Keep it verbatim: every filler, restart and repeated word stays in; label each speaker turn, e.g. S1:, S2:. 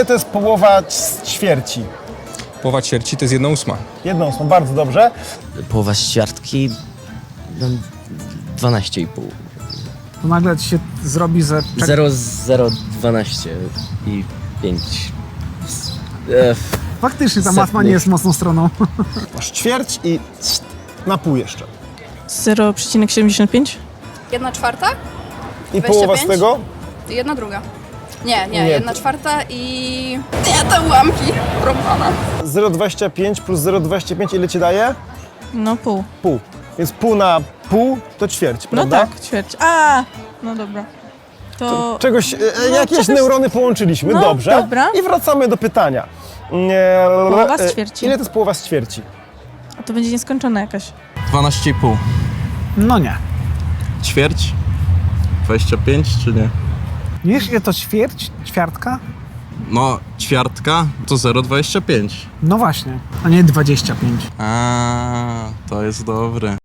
S1: To jest połowa ćwierci.
S2: Połowa ćwierci to jest jedna ósma.
S1: Jedną ósmą, bardzo dobrze.
S3: Połowa ćwiartki, no, dwanaście i pół.
S4: To nagle ci się zrobi, że...
S3: zero, zero, dwanaście i pięć. E,
S4: Faktycznie ta
S3: Setny.
S4: matma nie jest mocną stroną.
S1: Masz ćwierć i na pół jeszcze.
S5: zero przecinek siedemdziesiąt pięć?
S6: Jedna czwarta?
S1: I
S6: dwadzieścia
S1: połowa z
S6: pięć?
S1: tego?
S6: Jedna druga. Nie, nie,
S1: Nie.
S6: jedna czwarta i... Nie, te ułamki. Rąbana.
S1: zero przecinek dwadzieścia pięć plus zero przecinek dwadzieścia pięć ile ci daje?
S5: No pół.
S1: Pół. Więc pół na pół to ćwierć,
S5: No
S1: prawda?
S5: tak, ćwierć. A, no dobra. To...
S1: Czegoś, e,
S5: No,
S1: jakieś
S5: czegoś-
S1: neurony połączyliśmy,
S5: No,
S1: dobrze.
S5: dobra.
S1: I wracamy do pytania. Nie,
S5: Połowa z
S1: e,
S5: ćwierci.
S1: Ile to jest połowa z ćwierci?
S5: A to będzie nieskończona jakaś.
S7: dwanaście i pół.
S4: No nie.
S7: Ćwierć? dwadzieścia pięć czy nie?
S4: Nie wiesz, ile to ćwierć? Ćwiartka?
S7: No, ćwiartka to zero przecinek dwadzieścia pięć.
S4: No właśnie, a nie dwadzieścia pięć.
S7: A, to jest dobre.